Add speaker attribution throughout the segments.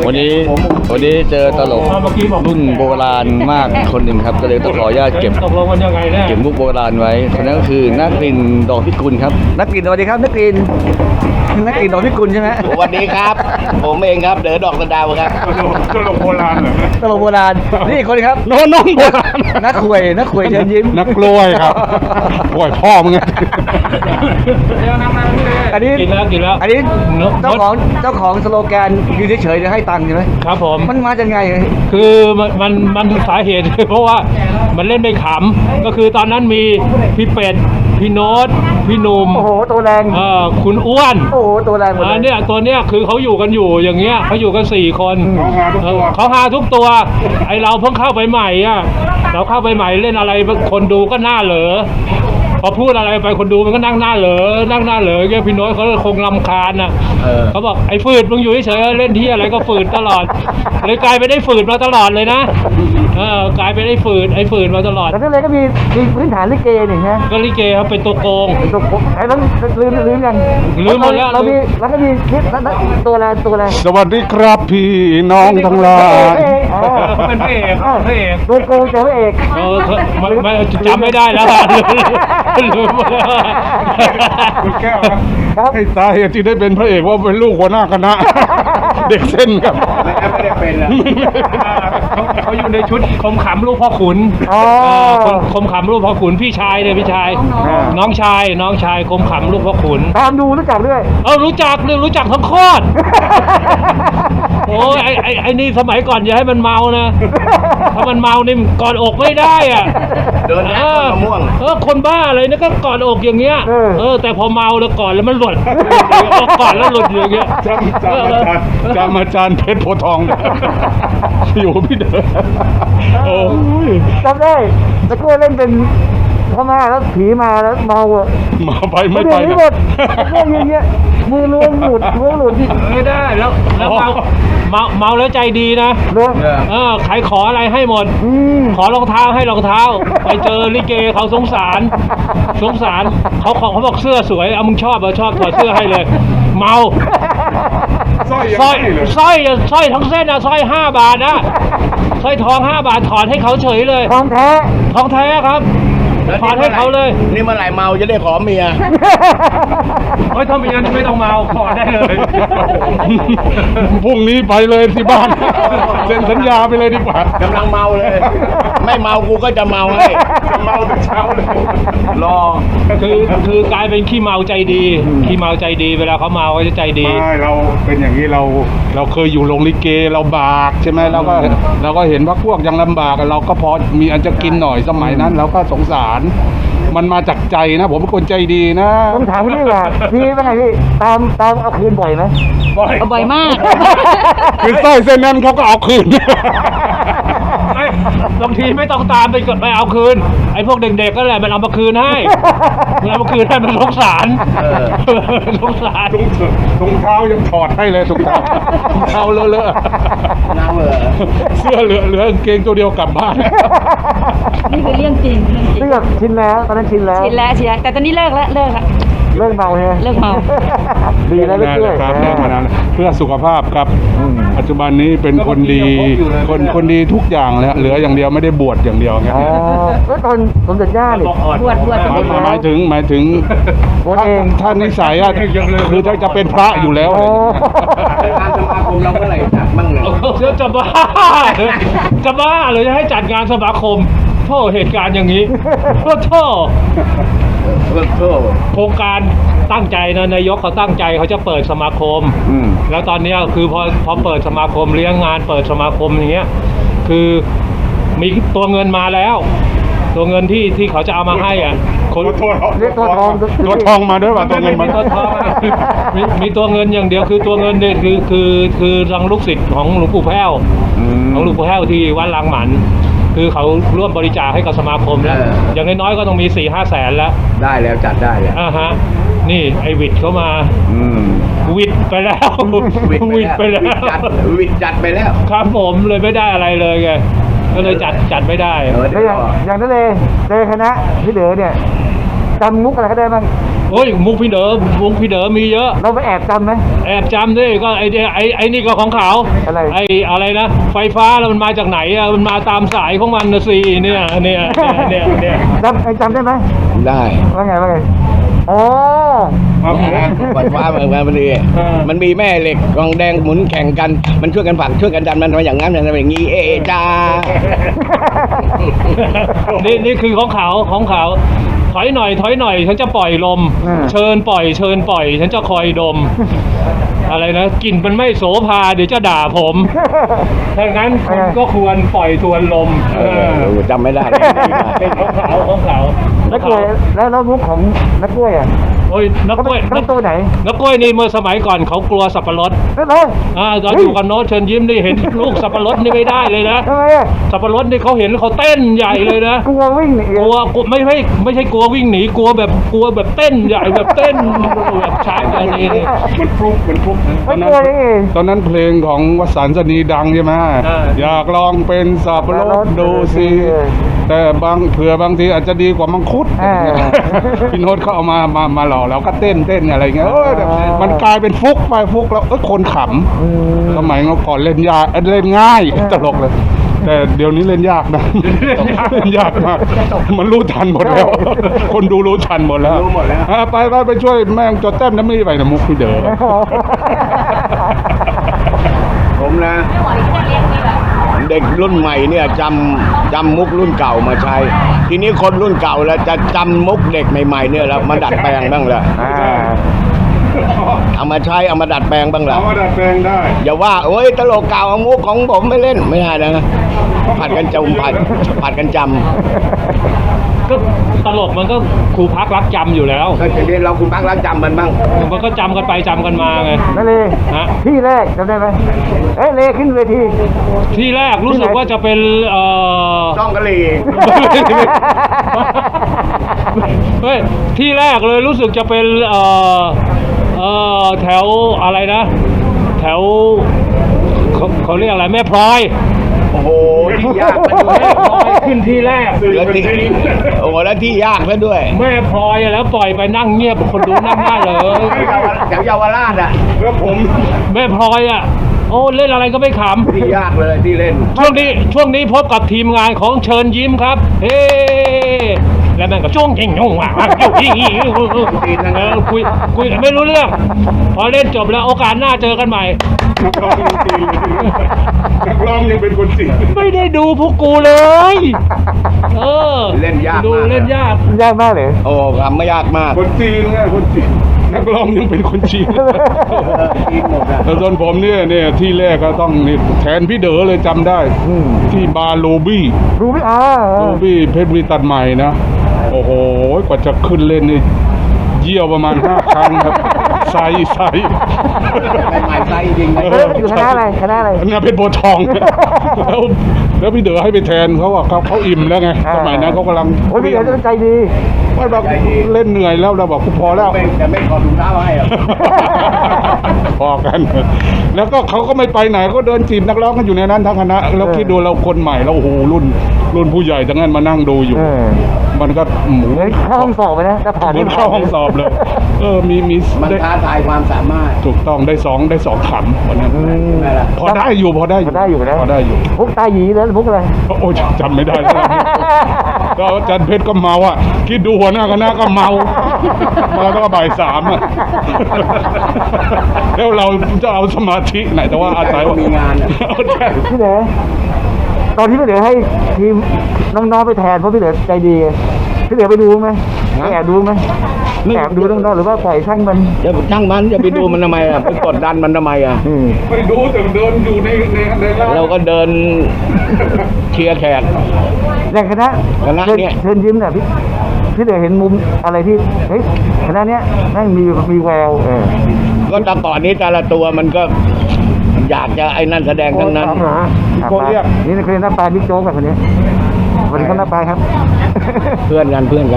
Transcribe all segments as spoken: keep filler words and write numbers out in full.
Speaker 1: วันนี้วันนี้เจอตลกรุ่นโบราณมากคนหนึ่งครับก็เลยต้องขออนุญาตเก็บ
Speaker 2: ตกลงกันยังไงเนี่ย
Speaker 1: เก็บมุกโบราณไว้คนนั้นก็คือนักกลิ่นดอกพิกุลครับนักกลิ่นสวัสดีครับนักกลิ่นนักกลิ่นดอกพิกุลใช่ไหม
Speaker 3: สวัสดีครับ ผมเองครับเด๋อดอกสะดาวครับ
Speaker 2: ตลกโบราณเหรอ
Speaker 1: ตลกโบราณนี่อีกคนครับ
Speaker 4: น้องน้องโบราณ
Speaker 1: นักขวยนักขวยเชิญยิ้ม
Speaker 4: นักกล้วยครับกล้วยพ่อมึงไง
Speaker 1: อันนี้
Speaker 2: กินแล้วกินแล้ว
Speaker 1: อันนี้เจ้าของเจ้าของสโลแกนยืนเฉยๆจะให้ตังค์ใช่ไหม
Speaker 2: ครับผม
Speaker 1: มันมาจากไง
Speaker 2: คือมันมันมันสาเหตุ เพราะว่ามันเล่นไม่ขำก็คือตอนนั้นมีพี่เป็ดพี่โน้ตพี่หนุ่ม
Speaker 1: โอ้โหตัวแรง
Speaker 2: เอ่อคุณอ้วน
Speaker 1: โอ้โหตัวแรงหมด
Speaker 2: อ่า
Speaker 1: เลย
Speaker 2: เนี่ยตัวเนี้ยคือเขาอยู่กันอยู่อย่างเงี้ยเขาอยู่กันสี่คนเออเขาหาทุกตัวไอเราเพิ่งเข้าไปใหม่อ่ะเราเข้าไปใหม่เล่นอะไรคนดูก็หน้าเหลอพอพูดอะไรไปคนดูมันก็นั่งหน้าเหลอนั่งหน้าเหลอเงี้ยพี่โน้ตเขาคงรำคาญนะเขาบอกไอ้ฝืดมึงอยู่เฉยๆเล่นที่อะไรก็ฝืดตลอดเลยกลายไปได้ฝืดมาตลอดเลยนะเออกลายไปได้ฝืดไอ้ฝืดมาตลอด
Speaker 1: แต่นั่นเลยก็มีมีพื้นฐานลิเกนี่ฮะ
Speaker 2: ก็ลิเกเขาเป็นตัวโกง
Speaker 1: ตัวผมไอ้นั้นลืมลืมยัง
Speaker 2: ลืมหมดแล้ว
Speaker 1: เรามีแล้วก็มีคลิปแล้วตัวอะไรตัวอะไร
Speaker 4: สวัสดีครับพี่น้องทั้งหลาย
Speaker 2: เขาเป็นพระเอกเขาเป็นพระเอก
Speaker 1: ตัวโกงเจอพระเอก
Speaker 2: เออมันมันจำไม่ได้แล้วอะลืมหมดแล้วอะ
Speaker 4: คุณแก้ว
Speaker 1: ครับ
Speaker 4: ให้สาเหตุที่ได้เป็นพระเอกว่าเป็นลูกหัวหน้าคณะ เด็กเส้นครับ
Speaker 3: ไม่ได้เป็นแล้ว
Speaker 2: เขาเขาอยู่ในชุดคมขำลูกพ่อขุน
Speaker 1: อ๋อ
Speaker 2: เออคมคมขำลูกพ่อขุนพี่ชายเนี่ยพี่ชาย น้องชายน้องชายคมขำลูกพ่อขุน
Speaker 1: ตามดูรู้จักด้วย
Speaker 2: เออรู้จักเลยรู้จักทั้งโคตรโอ้ยไอไอไอนี่สมัยก่อนอย่าให้มันเมานะถ้ามันเมานี่กอดอกไม่ได้อ่ะ
Speaker 3: เดินแล้
Speaker 2: เอ
Speaker 3: ว
Speaker 2: อ
Speaker 3: มะม่วง
Speaker 2: เออคนบ้าเลยนะก็กอดอกอย่างเงี้ยเออแต่พอเมาแล้วกอดแล้วมันหลุดกอดแล้วหลุดอย่างเงี้ย
Speaker 4: จำจำอาจารย์จำอาจารย์เพชรโพธิ์ทอง อยู่พี่เด้อโอ้ย
Speaker 1: จำได้ตะกร้วยเล่นเป็นพ่อแม่แล้วผีมาแล้วเมาอ่ะ
Speaker 4: มาไปไม่ไป
Speaker 1: เดี๋ยวนี้หมดเรื่องอย่างเงี้ยมือล้วงหลุดล้วงหลุดที่
Speaker 2: ไม่ได้แล้วแล้วเมาเมาเมาแล้วใจดีนะ
Speaker 1: ล้วง
Speaker 2: เออใครขออะไรให้หมด
Speaker 1: อืม
Speaker 2: ขอรองเท้าให้รองเท้า ไปเจอลิเกเขาสงสาร สงสารเขาขอเขาบอกเสื้อสวยเอามึงชอบเหรอชอบถอดเสื้อให้เลย เมา
Speaker 4: สร้อย
Speaker 2: สร้อย
Speaker 4: ยังให้เลย
Speaker 2: สร้อยสร้อยทั้งเส้นอะสร้อยห้าบาทนะสร้อยทองห้าบาทถอดให้เขาเฉยเลย
Speaker 1: ทองแท้
Speaker 2: ทองแท้ครับถอดให้เขาเลย
Speaker 3: นี่เมื่อไหร่เมาจะได้ขอเมีย
Speaker 2: เฮ้ยถ้ามีงั้นไม่ต้องเมาถอดได้เลย
Speaker 4: พรุ่งนี้ไปเลยที่บ้านเซ็นสัญญาไปเลยดีกว่า
Speaker 3: กำลังเมาเลย ไม่เมากูก็จะเมาให้
Speaker 4: เมาแต่เช้าเลย
Speaker 3: รอ
Speaker 2: คือคือกลายเป็นขี้เมาใจดีขี้เมาใจดีเวลาเขาเมาเขาจะใจดี
Speaker 4: ไม่เราเป็นอย่างนี้เราเราเคยอยู่โรงลิเกเราบากใช่ไหมเราก็เราก็เห็นว่าพวกยังลำบากอะเราก็พอมีอันจะกินหน่อยสมัยนั้นเราก็สงสาร มันมาจากใจนะ ผมเป็นคนใจดีนะ
Speaker 1: ผมถามพี่ว่าพี่เป็นไงพี่ตามตามเอาคืนบ่อยไหม
Speaker 5: บ่อยมาก
Speaker 4: คือสร้อยเส้นนั้นเขาก็เอาคืน
Speaker 2: ไม่บางทีไม่ต้องตามไปกดไปเอาคืน ไอ้พวกเด็กๆก็แหละมันเอามาคืนให้มันเอามาคืนให้มันสงสารสงสาร
Speaker 4: ถุงถุงเท้ายังถอดให้เลยถุงเท้าถุงเท้าเลอะ
Speaker 3: น้ำเหรอ
Speaker 4: ๆเสื้อเหลือเหลือกางเกงตัวเดียวกลับบ้าน
Speaker 5: นี่คือเรื่องจริงเรื่องจริ
Speaker 1: ซึ่
Speaker 5: ง
Speaker 1: งแบบชินแล้วตอนนั้นชินแล้ว
Speaker 5: ชินแล้วชินแล้วแต่ตอนนี้เลิกแล้วเลิกแล้ว
Speaker 1: เลิกเมาใช่ไหม
Speaker 5: เลิกเมา
Speaker 1: ดีแล้วเลิกด้วย
Speaker 4: ครับเลิกมานานแล้วเพื่อสุขภาพครับ ปัจจุบันนี้เป็นคนดี คนคนดีทุกอย่างแล้วเหลืออย่างเดียวไม่ได้บวชอย่างเดียวไง
Speaker 1: อ๋อแล้วตอนสมเด็จย่าเนี่ย
Speaker 5: บวชบวช
Speaker 4: หมายหมายถึงหมายถึง
Speaker 1: บวช
Speaker 4: ถ้า
Speaker 1: เอง
Speaker 4: ถ้านิสัยอะคือถ้าจะเป็นพระอยู่แล้ว
Speaker 1: อ๋อ
Speaker 3: งานสมาคมเราเมื่อไหร่จัดบ้างเนี่ย
Speaker 2: เชื่อจะบ้าจะบ้าเลยจะให้จัดงานสมาคมโทษเหตุการณ์อย่างนี้โทษโทษ
Speaker 3: เพิ่มโทษ
Speaker 2: โครงการตั้งใจนะนายกเขาตั้งใจเขาจะเปิดสมาคม
Speaker 4: อืม
Speaker 2: แล้วตอนเนี้ยคือพอพอเปิดสมาคมเลี้ยงงานเปิดสมาคมอย่างเงี้ยคือมีตัวเงินมาแล้ว ตัวเงินที่ที่เขาจะเอามาให้อ่ะคน
Speaker 1: เรียกตัวทอง
Speaker 4: ตัวทองมาด้วยป่ะตัวเงินมา
Speaker 2: มีตัวทองอะมีมีตัวเงินอย่างเดียวคือตัวเงินเนี่ยคือคือคือทางลูกศิษย์ของหลวงปู่แพ้วของหลวงปู่แพ้วที่วัดลางหมัน คือเขาร่วมบริจาคให้กับสมาคมแล้วอย่างน้อยๆก็ต้องมีสี่ห้าแสนแล้ว
Speaker 3: ได้แล้วจัดได้แล้ว
Speaker 2: อ่าฮะนี่ไอวิดเขามา
Speaker 4: อืม
Speaker 2: วิดไปแล้ว วิดไปแล้ว
Speaker 3: จัดวิดจัดไปแล้ว
Speaker 2: ครับผมเลยไม่ได้อะไรเลยไงก็เลยจัดจัดไม่ได้
Speaker 3: เออ
Speaker 1: แล้
Speaker 3: เดี๋
Speaker 1: ว
Speaker 3: ยว
Speaker 1: อย่างอย่างนั้นเลยเจอคณะพี่เด๋อเนี่ยจำมุกอะไรก็ได้บ้าง
Speaker 2: โอ้ยมุกพี่เด๋อมุกพี่เด๋อมีเยอะ
Speaker 1: เราไปแอบจำไหม
Speaker 2: แอบจำด้วยก็ไอ้ไอ้ไอ้นี่ก็ของเขา
Speaker 1: อะไร
Speaker 2: ไอ้อะไรนะไฟฟ้าแล้วมันมาจากไหนอ่ะมันมาตามสายของมันนะสิเนี่ยเนี่ยเนี่ยเนี่ย
Speaker 1: จำไอ้จำได้ไหม
Speaker 3: ได้
Speaker 1: ว่าไงว่าไงอ๋อ
Speaker 3: ปล่อยฟ้าเหมือนกันพอดีมันมีแม่เหล็กกองแดงหมุนแข่งกัน มันช่วยกันผลักช่วยกันดันมันมาอย่างนั้นอย่างนั้นอย่างนี้เอะเอะจ้า
Speaker 2: นี่นี่คือของเขาของเขาถอยหน่อยถอยหน่อยฉันจะปล่อยลม เชิญปล่อยเชิญปล่อย ฉันจะคอยดม อะไรนะกลิ่นมันไม่โสภาเดี๋ยวจะด่าผมดังนั้นคุณก็ควรปล่อยทวนลม
Speaker 3: เออจำไม่ได้
Speaker 2: เป็นของเขาของเขา
Speaker 1: นักกล้วยแล้วแล้วมุกของนักกล้วยอ่ะ
Speaker 2: โอ้ยนักกล้วย
Speaker 1: เขาเป็นตัวไหน
Speaker 2: นักกล้วยนี่เมื่อสมัยก่อนเขากลัวสับปะรด
Speaker 1: นั่นเลย
Speaker 2: อ่าตอนอยู่กับโน้ตเชิญยิ้มนี่เห็นลูกสับปะรดนี่ไม่ได้เลยนะ
Speaker 1: ทำไมอ่ะ
Speaker 2: สับปะรดนี่เขาเห็นเขาเต้นใหญ่เลยนะ
Speaker 1: กลัววิ่งหนี
Speaker 2: กลัวกลัวไม่ไม่ไม่ใช่กลัววิ่งหนีกลัวแบบกลัวแบบเต้นใหญ่แบบเต้นแบบช้างอะไรนี่
Speaker 4: มันฟลุกมันฟลุกต
Speaker 1: ไม่
Speaker 4: อน
Speaker 1: ก
Speaker 4: นั้
Speaker 1: ลัวน นี่
Speaker 4: ตอนนั้นเพลงของวสันต์สนีดังใช่ไหมอยากลองเป็นสับปะรดดูสิแต่บางเผื่อบางทีอาจจะดีกว่ามังคุด
Speaker 1: อ่า
Speaker 4: พี่โน้ตเขาเอามามามาหล่อแล้วก็เต้นเต้นอะไรเงี้ยเออมันกลายเป็นฟุกไปฟุกแล้วเออคนข
Speaker 1: อืม
Speaker 4: ำสมัยก่อนเล่นยากเอ้ยเล่นง่ายตลกเลย แต่เดี๋ยวนี้เล่นยากนะเล่นยากมากมันรู้ทันหมดแล้ว คนดูรู้ทันหมดแล้ว
Speaker 3: รู้หมดแล้ว
Speaker 4: อ่ะไปไปไปช่วยแม่งจดแต้มน้ำมีไปนะมุกพี่เด๋อ
Speaker 3: ผมนะ เด็กรุ่นใหม่เนี่ยจำจำมุกรุ่นเก่ามาใช้ ทีนี้คนรุ่นเก่าแล้วจะจำมุกเด็กใหม่ๆเนี่ยแล้วมาดัดแปลงบ้างละ
Speaker 1: อ่า
Speaker 3: เอามาใช้เอามาดัดแปลงบ้างละ
Speaker 4: เอามาดัดแปลงได้
Speaker 3: อย่าว่าโอ้ยตลกเก่าเอามุกของผมไม่เล่นไม่ได้นะผัดกันจำผัดผัดกันจ
Speaker 2: ก็ตลกมันก็ครูพักรักจำอยู่แล้ว
Speaker 3: ำก็จะเรียนเราคุณพักรักจำมันบ้าง
Speaker 2: มันก็จำกันไปจำกันมาไง
Speaker 1: นั่นเลย
Speaker 2: ฮะ
Speaker 1: ที่แรกจำได้ไหมเอ้ยเลขึ้นเวที
Speaker 2: ที่แรกรู้สึกว่าจะเป็นเอ่อ
Speaker 3: จ้องกะหรี่
Speaker 2: เฮ้ยที่แรกเลยรู้สึกจะเป็นเอ่อเอ่อแถวอะไรนะ แถวเขาเขาเรียกอะไรแม่พลอย
Speaker 3: โอ้โหที่ยากซะด้ว
Speaker 2: แม่
Speaker 3: ย
Speaker 2: พลอยขึ้นที่แรก
Speaker 3: แล้วที่โอ้โหแล้วที่ยากซะด้วย
Speaker 2: แม่พลอยแล้วปล่อยไปนั่งเงียบคนดูนั่งได้เลย
Speaker 3: แถวเยาวราชอ่ะ
Speaker 4: แล้วผม
Speaker 2: แม่พลอยอ่ะโอ้เล่นอะไรก็ไม่ข
Speaker 3: ที่ยากเลยที่เล่น
Speaker 2: ำช่วงนี้ช่วงนี้พบกับทีมงานของเชิญยิ้มครับ เฮ้แล้วแม่งก็จ้วงยิงยงว่ะยิงยิงเออคุยคุยไม่รู้เรื่อง พอเล่นจบแล้วโอกาสหน้าเจอกันใหม่
Speaker 4: นักร้องยังจีนเลยนักร้องยังเป็นคนจีน
Speaker 2: ไม่ได้ดูพวกกูเลย เออ
Speaker 3: เล่นยากมาก
Speaker 2: ดูเล่นยาก
Speaker 1: ยากมากเลย
Speaker 3: โอ้ทำไม่ยากมาก
Speaker 4: คนจีนไงคนจีนนักร้องยังเป็นคนจีน
Speaker 3: จีนหมดอะ
Speaker 4: แต่ส่วนผมเนี่ยเนี่ยที่แรกก็ต้องนี่แทนพี่เด๋อเลยจำได้
Speaker 1: อืม
Speaker 4: ที่บาร์โลบี้
Speaker 1: รู้ไหมอ่า
Speaker 4: โลบี้เพชรบุรีตัดใหม่นะ โอ้โหกว่าจะขึ้นเล่นนี่เยี่ยวประมาณห้าครั้งครับไซไซ
Speaker 3: ใหม่ๆใส่จริง
Speaker 4: เอ
Speaker 1: เอ้ยอยู่คณะอะไรคณะอะไร
Speaker 4: อันนี้เป็นโบทอง แล้วแล้วพี่เด๋อให้ไปแทนเขาอะเขาเขาอิ่มแล้วไง
Speaker 1: อ่า
Speaker 4: สมัยนั้นเขากำลัง
Speaker 1: โอ้ยพี่เดี๋ยวจะใจดี
Speaker 4: ไม่บอกเล่นเหนื่อยแล้วเราบอกกูพอแล้ว
Speaker 3: ไม่แต่ไม่ขอถุงเท้าให้หรอก
Speaker 4: พอกัน แล้วก็เขาก็ไม่ไปไหนก็เดินจีบนักร้องกันอยู่ในนั้นทั้งคณะแล้วคิดดูเราคนใหม่แล้วโอ้โหรุ่น รุ่นผู้ใหญ่ทั้งนั้นมานั่งดูอยู่
Speaker 1: เออ
Speaker 4: มันก็หมู
Speaker 1: เหมือนเข้าห้องสอบไปนะถ้าผ่าน
Speaker 4: เหมือนเข้าห้องสอบเลย เออมีมี
Speaker 3: มัน
Speaker 4: ได้
Speaker 3: ท้าทายความสามารถ
Speaker 4: ถูกต้องได้สองได้สองขำวันนั้น
Speaker 1: อืม
Speaker 3: ใช่ไหมล่ะ
Speaker 4: พอได้อยู่พอได้อยู่
Speaker 1: พอได้อยู่นะ
Speaker 4: พอได้อยู่
Speaker 1: มุกตาหยีแล้วมุกอะไร
Speaker 4: โอ้ยจำไม่ได้แล้วก็อาจารย์เพชรก็เมาอ่ะคิดดูหัวหน้าคณะก็เมามาแล้วก็บ่ายสามอ่ะแล้วเราจะเอาสมาธิไหนแต่ว่าอาศัยว่า
Speaker 3: มีงานอะ
Speaker 4: เอาแค่
Speaker 1: พี่เหนือตอนที่พี่เหนือให้ทีมน้องๆไปแทนเพราะพี่เหนือใจดีพี่เหนือไปดูไหมไปแอบดูไหมแอบดูน้องๆหรือว่าปล่อยช่างมัน
Speaker 3: จะช่างมันจะไปดูมันทำไมอ่ะไปกดดันมันทำไมอ่ะ
Speaker 1: อืม
Speaker 4: ไปดูแต่เดินอยู่ในในในร้าน
Speaker 3: เราก็เดินเชียร์แขก
Speaker 1: อย่างคณะ
Speaker 3: คณะ
Speaker 1: เชิญ
Speaker 3: เนี่ย
Speaker 1: เชิญยิ้มเนี่ยพี่พี่เหนือเห็นมุมอะไรที่เฮ้ยคณะเนี้ยแม่งมีมีแววเออ
Speaker 3: ก็แต่ก่อนนี้แต่ละตัวมันก็อยากจะไอ้นั่นแสดงทั้งนั้น
Speaker 1: เหรอโกเรียกนี่นักเรียนหน้าปลายบิ๊กโจ๊กกับคนนี้วันนี้ก็หน้าปลายครับ
Speaker 3: เพื่อนกันเพื่อนกัน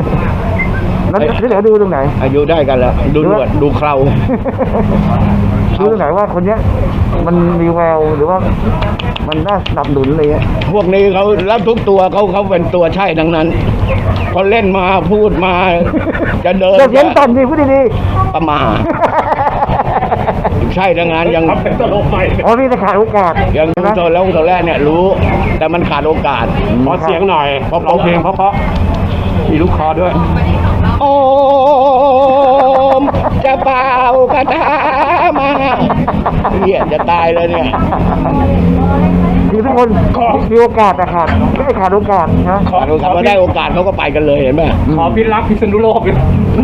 Speaker 1: แล้วพี่เหนือดูตรงไหน
Speaker 3: อายุได้กันแล้ว ดูหนวดดูเครา
Speaker 1: รู้ตรงไหนว่าคนเนี้ยมันมีแววหรือว่ามันน่าสนับสนุนอะไรเงี้ย
Speaker 3: พวกนี้เขาแล้วทุกตัวเขาเขาเป็นตัวใช่ทั้งนั้นพอเล่นมาพูดมา จะเดิน
Speaker 1: เดี๋ยวเสียงสั่นดิพูดดี
Speaker 3: ประมาทใช่ทั้งนั้นยัง
Speaker 1: ๆอ๋อนี่จะขาดโอกาส
Speaker 3: ยัง
Speaker 1: นะ
Speaker 3: ตัวแล้วตัวแรกเนี่ยรู้ แต่มันขาดโอกาส
Speaker 2: ขอเสียงหน่อย
Speaker 3: เพราะ
Speaker 2: ร้องเพลงเพราะๆมีลูกคอด้วย
Speaker 3: โอมจะเป่ากระทามาเนี่ยจะตายเลยเนี่ย
Speaker 1: คือทุกคนมีโอกาสแต่ขาดไม่ได้ขาดโอกาสนะ
Speaker 3: ขาดโอกาสพอได้โอกาสเขาก็ไปกันเลยเห็นไหม
Speaker 2: ขอพิรักพิษณุโลกเป็น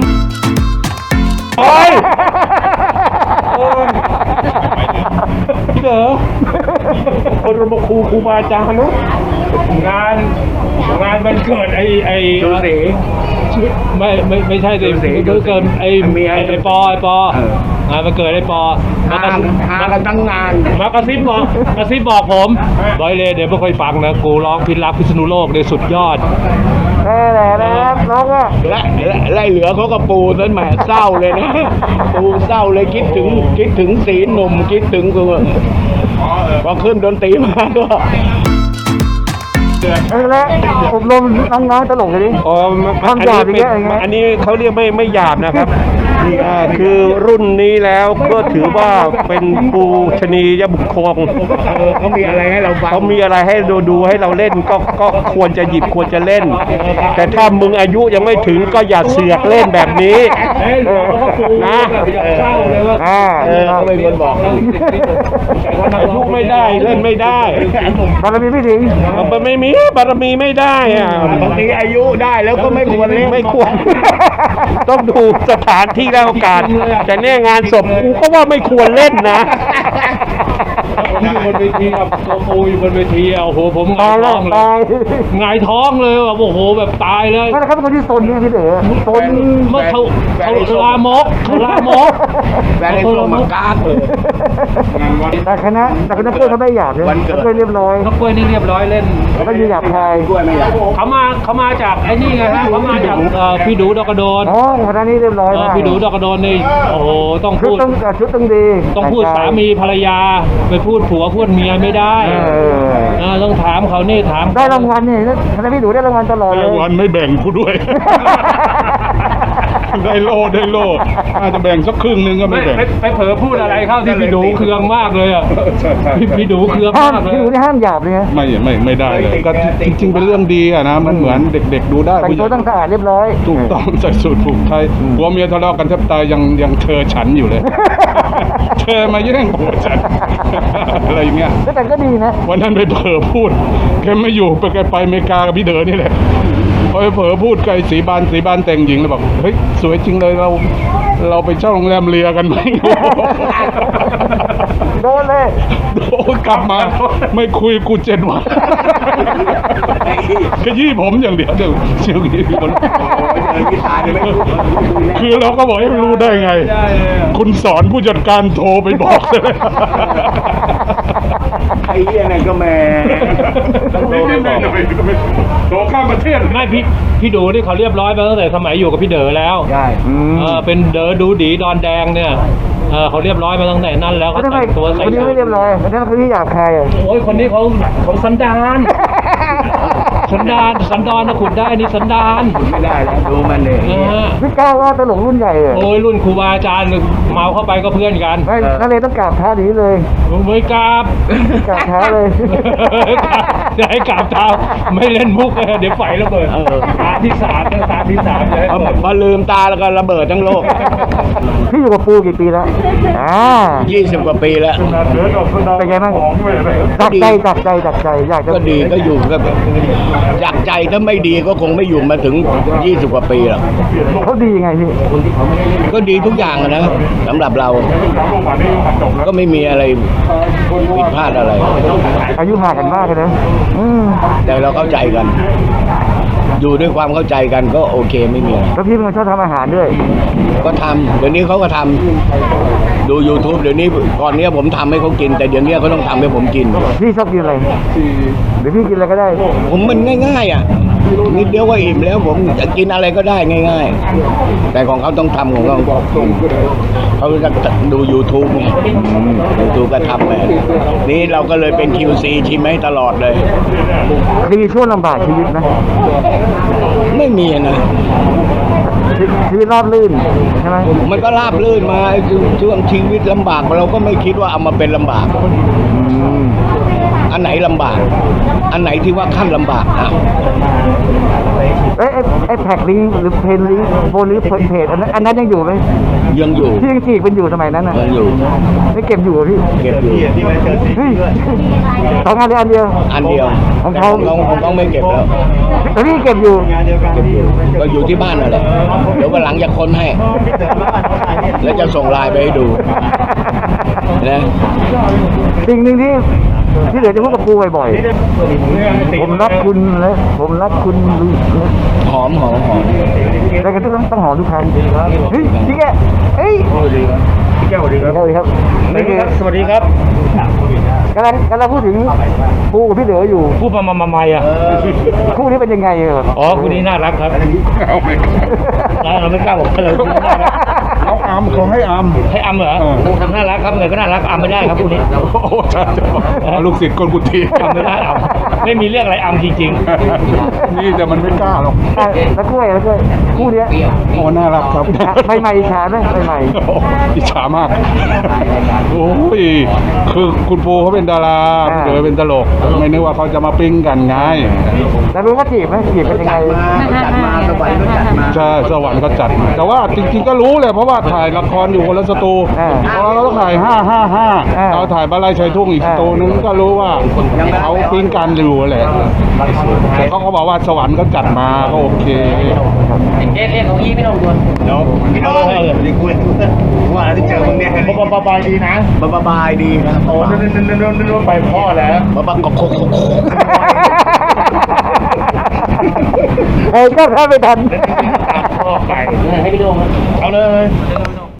Speaker 1: โอ้ย
Speaker 2: พี่เด๋อคนมาครูครูบาอาจารย์นุงานงานมันเกิดไอ้ไอ้
Speaker 3: ดูสิ
Speaker 2: ไม่ไม่ไม่ใช่สิ
Speaker 3: ดูสิ
Speaker 2: มันเกิดไอ้
Speaker 3: เมีย
Speaker 2: ไอ้ไอ้ปอไอ้ปอ
Speaker 3: เออ
Speaker 2: งานมันเกิดไอ้ปอมากระ
Speaker 3: หา
Speaker 2: ซิบ
Speaker 3: หากันตั้งนาน
Speaker 2: มากระซิบบอกกระซิบบอกผมบอยเลยเดี๋ยวไม่ค่อยฟังนะกูร้องพิรักพิษณุโลกเลยสุดยอด
Speaker 1: แน่แหละนะครับน้องอ่ะ
Speaker 3: และและไล่เหลือเขาก็ปูนั่นแหมเศร้าเลยนะ ปูเศร้าเลยคิดถึงคิดถึงสีหนุ่มคิดถึงคือพอขึ้นดนตรีมาก็
Speaker 1: เออแล้วอบรมน้องๆตลกเลยดิ
Speaker 6: อ๋อ
Speaker 1: ความหยาบอย่างเงี้ยอย่างเงี้ย
Speaker 6: อันนี้เขาเรียกไม่ไม่หยาบนะครับอ่าคือรุ่นนี้แล้วก็ถือว่าเป็นปูชนียบุคคล
Speaker 3: เออเขามีอะไรให้เราฟัง
Speaker 6: เขามีอะไรให้ดูดูให้เราเล่นก็ก็ควรจะหยิบควรจะเล่น แต่ถ้ามึงอายุยังไม่ถึงก็อย่าเสือกเล่นแบบนี้
Speaker 2: เฮ้ยหลวงพ่อครู
Speaker 6: นะ
Speaker 2: แบบอยากเศร้าเลยว่า
Speaker 1: อ่า
Speaker 3: เออเขาเป็นคนบอก
Speaker 6: อายุไม่ได้เล่นไม่ได้
Speaker 1: บารมีไม่ถึง
Speaker 6: มันไม่มีบารมีไม่ได้อะ
Speaker 3: บางทีอายุได้แล้วก็ไม่ควรเล่น
Speaker 6: ไม่ควร ต้องดูสถานที่และโอกาสแต่เนี่ยงานศพกูก็ว่าไม่ควรเล่นนะ
Speaker 2: ผมอยู่บนเวทีกับตัวปูอยู่บนเวทีอ่ะโอ้โหผมห
Speaker 1: ตาง
Speaker 2: าย
Speaker 1: ยแล้
Speaker 2: ท้
Speaker 1: ว
Speaker 2: องเล
Speaker 1: ตาย
Speaker 2: ยหงายท้องเลยแบบโอ้โหแบบตายเลย
Speaker 1: ไม่นะครับเป็นคนที่ซนเนี่ยพี่เด๋อซน
Speaker 2: เมื่อเขาเขาลามกเขาลามก
Speaker 3: แฟนไอ้ตัวมากากเลย
Speaker 1: แต่คณะแต่คณะเพื่อนเขาไม่หยาบเลย
Speaker 3: วันเกิด
Speaker 1: เขาเรียบร้อย
Speaker 2: นกกล้วยนี่เรียบร้อยเล่น
Speaker 1: แล้วก็ยืนหยาบคาย
Speaker 3: กล้วยไม่อยาก
Speaker 2: เขามาเขามาจากไอ้นี่ไงฮะเขามาจากเอ่อพี่ดูดอกกระโดน
Speaker 1: อ๋อคณะนี้เรียบร้อย
Speaker 2: เอ่อ
Speaker 1: มาก
Speaker 2: พี่ดูดอกกระโดนนี่โอ้โหต้อง
Speaker 1: ชุด
Speaker 2: พูด
Speaker 1: ต้องชุดต้องดี
Speaker 2: ต้องพูดสามีภรรยาไปพูดผัวพูดเมียไม่ได้
Speaker 1: เออ
Speaker 2: เออต้องถามเขานี่ถาม
Speaker 1: ได้รางวัลเนี่ยคณะพี่ดูได้รางวัลตลอดเลย
Speaker 4: วันไม่แบ่งกูด้วย ได้โลได้โลอาจจะแบ่งสักครึ่งหนึงก็
Speaker 2: ไม่
Speaker 4: ไม่แบ่ง
Speaker 2: ไปไปเผลอพูดอะไรเข้าที่พี่ดูเคืองมากเลยอ่ะพี่พี่ดูเคือง
Speaker 1: ห้าม
Speaker 2: มากเลย
Speaker 1: พี่ดูนี่ห้ามหยาบเลยนะ
Speaker 4: ไม่ไม่ไม่ได้เลยก็จริงๆเป็นเรื่องดีอะนะมันเหมือนเด็กๆดูได้
Speaker 1: แต่ง
Speaker 4: ผู้ให
Speaker 1: ตัว
Speaker 4: ญ่
Speaker 1: ต้องสะอาดเรียบร้อย
Speaker 4: ถูกต้องใส่สูทผูกไทยผัวเมียทะเลาะกันแทบตายยังยังเธอฉันอยู่เลย เธอมาแย่งผัวฉัน อะไรอย่างเงี้ย
Speaker 1: แต่ก็ดีนะ
Speaker 4: วันนั้นไปเผลอพูดแกไม่อยู่ไปแกไปอเมริกากับพี่เด๋อนี่แหละพอไปเผลอพูดกับไอ้สีบานสีบานแต่งหญิงแล้วบอกเฮ้ยสวยจริงเลยเรา เราไปเช่าโรงแรมเรียกันไหม
Speaker 1: โดนเลย
Speaker 4: โอ้ยกลับมา ไม่คุยกูเจ็ดวันขยี้ผมอย่างเดียวเดี๋ยวเชี่ยวยี่คน คือเราก็บอกให้รู้ได้ไง คุณสอนผู้จัดการโทรไปบอกเลย
Speaker 3: ไอ้เหี้ยนั่นก็แม่
Speaker 4: โทรข้ามประเทศ
Speaker 2: ไม่พี่พี่ดูนี่เขาเรียบร้อยมาตั้งแต่สมัยอยู่กับพี่เด๋อแล้ว
Speaker 3: ใช่
Speaker 2: เออเป็นเด๋อดูดีดอนแดงเนี่ยเออเขาเรียบร้อยมาตั้งแต่นั้นแล้ว
Speaker 1: เขา
Speaker 2: เขา
Speaker 1: ทำไม
Speaker 2: แต่งตัว
Speaker 1: ค
Speaker 2: ใส่
Speaker 1: นนี้ไม่เรียบร้อยคนนั้นคือที่หยาบคายอ่ะ
Speaker 2: โอ้ยคนนี้เขาเขาสันดานสันดานสันดานนะขุดได้นี่สันดาน
Speaker 3: ไม่ได้แล้วดูมันเลย
Speaker 2: นะฮะ
Speaker 1: พี่ก้าวว่าตลกรุ่นใหญ่เลย
Speaker 2: โอ้ยรุ่นครูบาอาจารย์เมาเข้าไปก็เพื่อนกัน
Speaker 1: ไม่นั่นเลยต้องกราบเท้าหนีเลย
Speaker 2: ไม่กราบ
Speaker 1: กราบเท้าเลย
Speaker 2: จะให้กราบเท้าไม่เล่นมุกเลยเดี๋ยวไฟระเบิดตาที่สามนะตาที่สามจะให้
Speaker 3: พอ
Speaker 2: เปิด
Speaker 3: พอลืมตาแล้วก็ระเบิดทั้งโลก
Speaker 1: พี่อยู่กับปูกี่ปีแล้วอ่า
Speaker 3: ยี่สิบกว่าปีแล้ว
Speaker 1: เป็นไงบ้างจับใจจับใจจับใจอยากจะ
Speaker 3: ก็ดีก็อยู่ก็จากใจถ้าไม่ดีก็คงไม่อยู่มาถึงยี่สิบกว่าปีหรอก
Speaker 1: เขาดียังไงพี่
Speaker 3: ก็ดีทุกอย่างอะนะสำหรับเรา ก็ไม่มีอะไรผิดพลาดอะไร
Speaker 1: อายุห่างกันมากเลยนะอืม
Speaker 3: แต่เราเข้าใจกัน อยู่ด้วยความเข้าใจกันก็โอเคไม่มีอะไร
Speaker 1: แล้วพี่เป็นคนชอบทำอาหารด้วย
Speaker 3: ก็ทำเดี๋ยวนี้เขาก็ทำดู YouTube เดี๋ยวนี้ก่อนเนี้ยผมทำให้เขากิน แต่เดี๋ยวนี้เขาต้องทำให้ผมกิน
Speaker 1: พี่ชอบกินอะไรเดี๋ยวพี่กินอะไรก็ได้
Speaker 3: ผมมันง่ายๆอ่ะนิดเดียวก็อิ่มแล้วผมจะกินอะไรก็ได้ง่าย ๆ แต่ของเขาต้องทำของเขาเขาจะดู YouTube ไง YouTube ก็ทำไปนี่เราก็เลยเป็น คิว ซี ชิมให้ตลอดเลย
Speaker 1: มีช่วงลำบากชีวิตไหม
Speaker 3: ไม่มีนะ
Speaker 1: ชีชีวิตราบรื่นใช่ไหม
Speaker 3: มันก็ราบรื่นมาช่วงชีวิตลำบากเราก็ไม่คิดว่าเอามาเป็นลำบาก
Speaker 1: อืม
Speaker 3: อันไหนลำบาก อันไหนที่ว่าขั้นลำบากอ่ะ
Speaker 1: เอ้ยไอ้ไอ้แพ็กลิงก์หรือเพนลิงก์โบนหรือเพจอันนั้นอันนั้นยังอยู่ไหม
Speaker 3: ยังอยู่
Speaker 1: ที่ยังจีกเป็นอยู่สมัยนั้นน่ะ
Speaker 3: ยังอยู่
Speaker 1: ไม่เก็บอยู่เหรอพี่
Speaker 3: เก็บอยู่
Speaker 1: เฮ้ยสองอันเดียวอันเดียว
Speaker 3: อันเดียว
Speaker 1: ของเขา
Speaker 3: ของของเขาไม่เก็บแล้ว
Speaker 1: แต่พี่เก็บอยู่
Speaker 3: เก็บอยู่ก็อยู่ที่บ้านนั่นแหละเดี๋ยววันหลังจะค้นให้ แล้วจะส่งไลน์ไปให้ดูนะ
Speaker 1: สิ่งหนึ่งที่ที่เหลือจะพูดกับปูบ่อยๆ ผมรักคุณและผมรักคุณ
Speaker 3: หอมหอมหอม
Speaker 1: แต่ก็ต้องต้องหอมทุกครั้งเฮ้ยพี่แกเฮ้ยพี่แกสวัสดีครับสวัสดีครับนี่คือสวัสดีครับกำลังกำลังพูดถึงปูกับพี่เหลืออยู่
Speaker 2: พูดมามามามาอ่ะ
Speaker 1: คู่นี้เป็นยังไงเออ
Speaker 2: อ๋อคู่นี้น่ารักครับ
Speaker 4: เอาไป
Speaker 2: แล้วเราไม่กล้าบอกเลย
Speaker 4: เอาอัมเขาให้อัม
Speaker 2: ให้อัมเหรอทำน่ารักครับไงก็น่ารักอัมไม่ได้ครับคู่นี้
Speaker 4: โอ้ใช่ๆลูกศิษย์คนกุฏิ
Speaker 2: อัมไม่ได้อัมไม่มีเรื่องอะไรอัมจริง
Speaker 4: นี่แต่มันไม่กล้าหรอก
Speaker 1: อ่ะแล้วกล้วยแล้วกล้วยคู่เนี้ย
Speaker 4: โอ้น่ารักครับ
Speaker 1: ใหม่ๆอิจฉาไหมใหม่
Speaker 4: โอ้อิจฉามาก โอ้ย คือคุณปูเขาเป็นดาราพี่เด๋อเป็นตลก ไม่นึกว่าเขาจะมาปิ้งกันไง
Speaker 1: ๆแล้วรู้ว่าจีบไหมจีบเป็นยังไง
Speaker 3: จัดมาสวรรค์ก็จัดมา
Speaker 4: ใช่ สวรรค์ก็จัดมาแต่ว่าจริงๆก็รู้เลยเพราะว่าถ่ายละครอยู่คนละสตู
Speaker 1: อ่า
Speaker 4: เพราะเราต้องถ่ายห้าห้าห้า
Speaker 1: อ่า
Speaker 4: เราถ่ายบ้านไร่ชายทุ่งอีกสตูนึงก็รู้ว่าเขาปิ้งกันอยู่แหละแต่เขาก็บอกว่าสวรรค์ก็จัดมาก็โอเค
Speaker 2: ๆเอ๊ะเอ๊ะของยี่ไม่ต้องดวน
Speaker 3: พี่น้องดีคุยว่าที่เจอมึงเนี่ยบ๊ายบายดีนะบ๊ายบายดีนะโอ้นนนนนนไปพ่อแล้วบ๊ายบายกบกบกบ
Speaker 1: เออก็ถ้าไม่ทัน
Speaker 2: พ่อไปให้พี่โดงเอาเลย